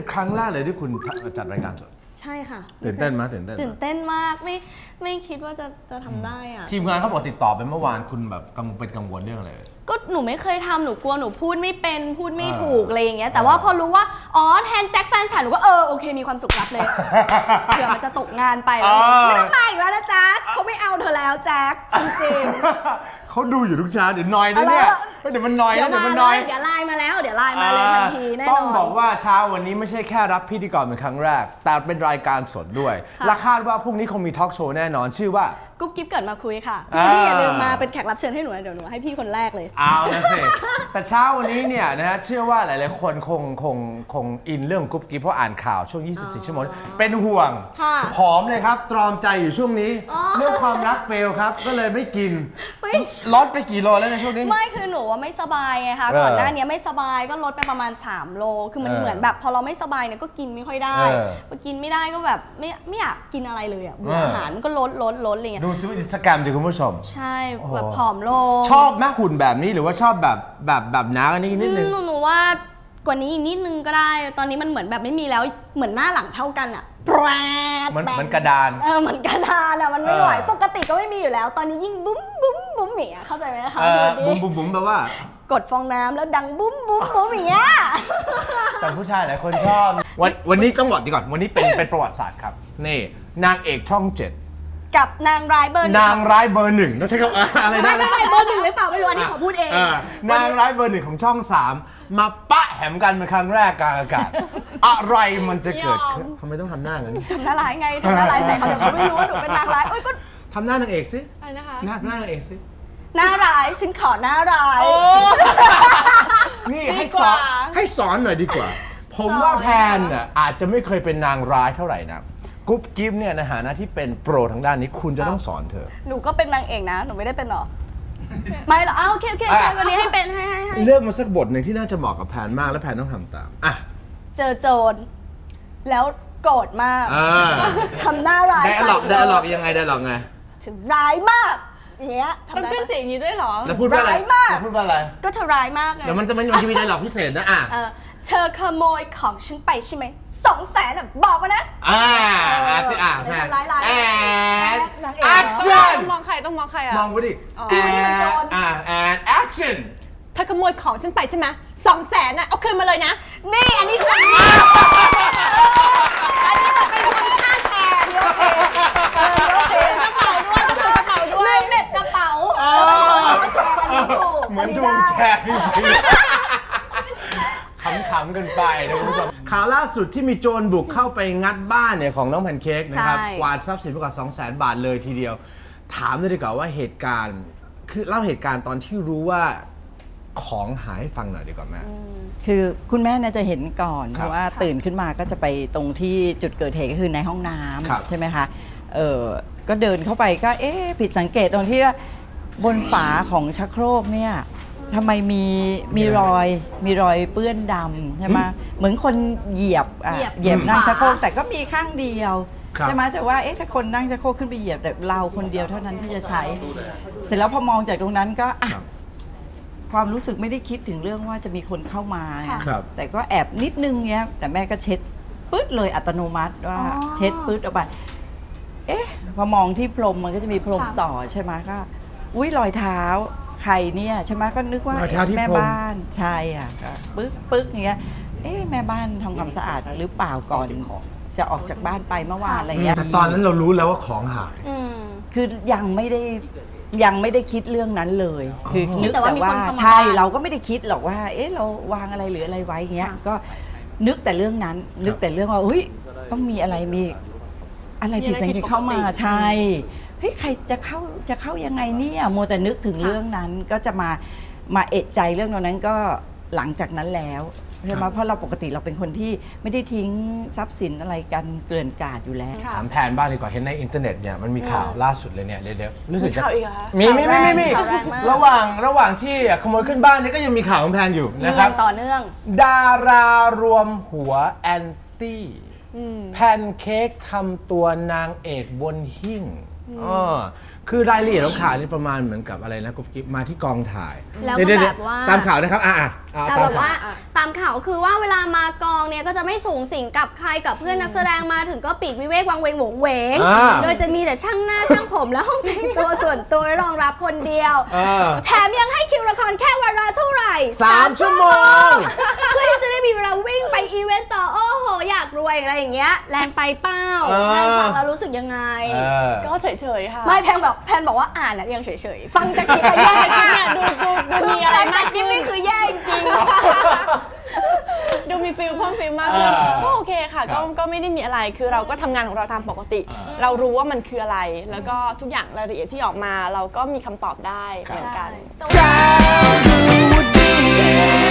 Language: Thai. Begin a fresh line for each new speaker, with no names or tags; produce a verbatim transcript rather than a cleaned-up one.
เป็นครั้งแรกเลยที่คุณจัดรายการสด
ใช่ค่ะ
ตื่นเต้นไหมตื่นเต้น
ตื่นเต้นมากไม่ไม่คิดว่าจะจะทำได้อ่ะ
ทีมงานเขาบอกติดต่อไปเมื่อวานคุณแบบกังวลเป็นกังวลเรื่องอะไร
ก็หนูไม่เคยทำหนูกลัวหนูพูดไม่เป็นพูดไม่ถูกอะไรอย่างเงี้ยแต่ว่าพอรู้ว่าอ๋อแทนแจ็คแฟนฉันหนูก็เออโอเคมีความสุขรับเลยเผื่อมันจะตกงานไปไม่ต้องมาอีกแล้วนะจ๊ะเขาไม่เอาเธอแล้วแจ็คจริง
เขาดูอยู่ทุกเช้าเดี๋ยวนอยนะเนี่ยเดี๋ยวมันนอยนะเดี๋ยวมันนอย
เดี๋ยวไลน์มาแล้วเดี๋ยวไลน์มาเลยทันทีแน่นอน
ต้องบอกว่าเช้าวันนี้ไม่ใช่แค่รับพิธีกรเป็นครั้งแรกแต่เป็นรายการสดด้วยและคาดว่าพรุ่งนี้คงมีทอล์กโชว์แน่นอนชื่อว่า
กุ๊บกิ๊บเกิดมาคุยค่ะพี่อย่าลืมมาเป็นแขกรับเชิญให้หนูนะเดี๋ยวหนูให้พี่คนแรกเลย
เอาละสิแต่เช้าวันนี้เนี่ยนะฮะเชื่อว่าหลายๆคนคงคงคงอินเรื่องกุ๊บกิ๊บเพราะอ่านข่าวช่วงยี่สิบสี่ชั่วโมงเป็นห่วงผอมเลยครับตรอมใจอยู่ช่วงนี้เรื่องความรักเฟลครับก็เลยไม่กินลดไปกี่โลแล้วในช่วงนี้
ไม่คือหนูว่าไม่สบายไงคะก่อนหน้านี้ไม่สบายก็ลดไปประมาณสามโลคือมันเหมือนแบบพอเราไม่สบายเนี่ยก็กินไม่ค่อยได้พอกินไม่ได้ก็แบบไม่ไม่อยากกินอะไรเลยอ่ะอาหารมันก็ลดลดลดอะไรเงี้ย
ดูทุกอินสตาแกรมดิคุณผู้ชม
ใช่แบบผอมลง
ชอบแม่หุ่นแบบนี้หรือว่าชอบแบบแบบแบบน้าอันนี้นิดนึง
หนูว่ากว่านี้อีกนิดนึงก็ได้ตอนนี้มันเหมือนแบบไม่มีแล้วเหมือนหน้าหลังเท่ากันอ่ะแปร
เหมือนเหมือนกระดาน
เออเหมือนกระดานอ่ะมันไม่ไหวปกติก็ไม่มีอยู่แล้วตอนนี้ยิ่งบุ้มบุ้มบุ้มเหมี่ยเข้าใจไหมคะ
บุ้มบุ้มบุ้มแปลว่าก
ดฟองน้ำแล้วดังบุ้มบุ้มบุ้มอย่างเงี้ย
แต่ผู้ชายหลายคนชอบวันวันนี้ต้องบอกดีก่อนวันนี้เป็นเป็นประวัติศาสตร์ครับนี่นางเอกช่องเจ็ด
กับนางร้ายเบอร์
นางร้ายเบอร์หนึ่งต้องใช้คำอะไรนะ
ไม่ไม่เบอร์หนึ่งหรือเปล่าไม่รู้อันนี้ขอพูดเอง
นางร้ายเบอร์หนึ่งของช่องสามมาปะแหมกันเป็นครั้งแรกกลางอากาศอะไรมันจะเกิดขึ้นทำไมต้องทำหน้างั้น
ทำหน้าร้ายไงทำหน้าร้ายใส่เขาเดี๋ยวเขาไม่รู้ว่าหนูเป็นนางร้ายโอ้ยก็
ทำหน้านางเอกสิ
อะไรนะคะ
หน้าหน้านางเอกสิ
หน้าร้ายฉันขอหน้าร้าย
นี่ให้สอนให้สอนหน่อยดีกว่าผมว่าแพนน่ะอาจจะไม่เคยเป็นนางร้ายเท่าไหร่นะกุ๊บกิ๊บเนี่ยในฐานะที่เป็นโปรทางด้านนี้คุณจะต้องสอนเธอ
หนูก็เป็นนางเอกนะหนูไม่ได้เป็นหรอไม่หรออ้าวโอเคโอเควันนี้ให้เป็นให้ให้
เลือกมาสักบทหนึ่งที่น่าจะเหมาะกับแพนมากและแพนต้องทำตามอ่ะ
เจอโจรแล้วโกรธมากทำหน้าร้าย
ได้หลอกได้หลอกยังไงได้หลอกไง
ถึงร้ายมากอย่างเงี้ย
มันเป็นเสียงอย่างนี้ด้วยเหรอ
จะพูดว่าอะไรจะพูดว่าอะไร
ก็เธอร้ายมากไง
เดี๋ยวมันจะมันจะมีได้หลอกพิเศษนะอ่ะ
เธอขโมยของฉันไปใช่ไหมสองแสนอ่ะบอกมานะ
อ่าอ่าอ่า
แร้ายร้าย
แอน
แอคชั่นต้องมองใครต้องมองใครอ่ะ
มองกูดิแอนอ่าแอนแอคชั่น
เธอขโมยของฉันไปใช่ไหมสองแสนอ่ะเอาคืนมาเลยนะ
นี่อันนี้คืออันนี้มันเป็นคนค่าแชร์โอเคโอเค
กระเป๋าด้วยกระเป๋าด้วย
ลืมเน็ตกระเป๋า
เหมือนถูกแชร์จริงขำๆกันไปนะคุณผู้ชมข่าวล่าสุดที่มีโจรบุกเข้าไปงัดบ้านเนี่ยของน้องแพนเค้กนะครับกวาดทรัพย์สินไปกว่า สองแสน บาทเลยทีเดียวถามเลยดีกว่าว่าเหตุการณ์คือเล่าเหตุการณ์ตอนที่รู้ว่าของหายให้ฟังหน่อยดีกว่าแม่
คือคุณแม่น่าจะเห็นก่อนเพราะว่าตื่นขึ้นมาก็จะไปตรงที่จุดเกิดเหตุก็คือในห้องน้ำใช่ไหมคะเออก็เดินเข้าไปก็เอ๊ะผิดสังเกตตรงที่ว่าบนฝาของชักโครกเนี่ยทำไมมีมีรอยมีรอยเปื้อนดำใช่ไหมเหมือนคนเหยียบอ่ะเหยียบนั่งชักโครกแต่ก็มีข้างเดียวใช่ไหมจะว่าเอ๊ะถ้าคนนั่งชักโครกขึ้นไปเหยียบแต่เราคนเดียวเท่านั้นที่จะใช้เสร็จแล้วพอมองจากตรงนั้นก็อ่ะความรู้สึกไม่ได้คิดถึงเรื่องว่าจะมีคนเข้ามาแต่ก็แอบนิดนึงเงี้ยแต่แม่ก็เช็ดปึ๊ดเลยอัตโนมัติว่าเช็ดปึ๊ดออกไปเอ๊ะพอมองที่พรมมันก็จะมีพรมต่อใช่ไหมก็อุ้ยรอยเท้าใครเนี่ยใช่ไหมก็นึกว่าแม่บ้านใช่อ่ะปึ๊กปึ๊กอย่างเงี้ยเอ๊ะแม่บ้านทำความสะอาดหรือเปล่าก่อนจะออกจากบ้านไปเมื่อวานอะไรเงี้ย
แต่ตอนนั้นเรารู้แล้วว่าของหาย
คือยังไม่ได้ยังไม่ได้คิดเรื่องนั้นเลยคือนึกแต่ว่าใช่เราก็ไม่ได้คิดหรอกว่าเอ๊ะเราวางอะไรหรืออะไรไว้เงี้ยก็นึกแต่เรื่องนั้นนึกแต่เรื่องว่าเฮ้ยต้องมีอะไรมีอะไรผิดสังเกตเข้ามาใช่เฮ้ยใครจะเข้าจะเข้ายังไงเนี่ยโมแต่นึกถึงเรื่องนั้นก็จะมามาเอะใจเรื่องนั้นก็หลังจากนั้นแล้วใช่ไหมเพราะเราปกติเราเป็นคนที่ไม่ได้ทิ้งทรัพย์สินอะไรกันเกลื่อนกาดอยู่แล้ว
ถามแพนบ้างดีกว่าเห็นในอินเทอร์เน็ตเนี่ยมันมีข่าวล่าสุดเลยเนี่ยเดี๋ยวรู้สึก
จะ
มีมีมีมีมีระหว่างระหว่างที่ขโมยขึ้นบ้านเนี่ยก็ยังมีข่าวของแพนอยู่นะครับ
ต่อเนื่อง
ดารารวมหัวแอนตี้แพนเค้กทำตัวนางเอกบนหิ้งอ๋อคือรายละเอียดของข่าวนี่ประมาณเหมือนกับอะไรนะกุ๊บกิ๊บมาที่กองถ่าย
แล้วก็แบบว่า
ตามข่าวนะครับอ่ะ
แต่แบบว่าตามข่าวคือว่าเวลามากองเนี่ยก็จะไม่สูงสิงกับใครกับเพื่อนนักแสดงมาถึงก็ปีกวิเวกวังเวงโหวงเหวงโดยจะมีแต่ช่างหน้าช่างผมและห้องแต่งตัวส่วนตัวรองรับคนเดียวแถมยังให้คิวละครแค่วันละเท่าไหร่
สามชั่วโมง
เพื่อที่จะได้มีเวลาวิ่งไปอีเวนต์ต่อโอ้โหอยากรวยอะไรอย่างเงี้ยแรงไปเป้าแพนฟังแล้วรู้สึกยังไง
ก็เฉยๆค่ะ
ไม่แพนแบบแพนบอกว่าอ่านยังเฉยๆ
ฟังจากที่แย่เนี่ยดูดูดูมีอะไรมาก
กิ๊บนี่คือแย่จริง
ดูมีฟิลเพิ่มฟิลมากขึ้นก็โอเคค่ะก็ก็ไม่ได้มีอะไรคือเราก็ทำงานของเราตามปกติเรารู้ว่ามันคืออะไรแล้วก็ทุกอย่างรายละเอียดที่ออกมาเราก็มีคำตอบได้เหมือนกัน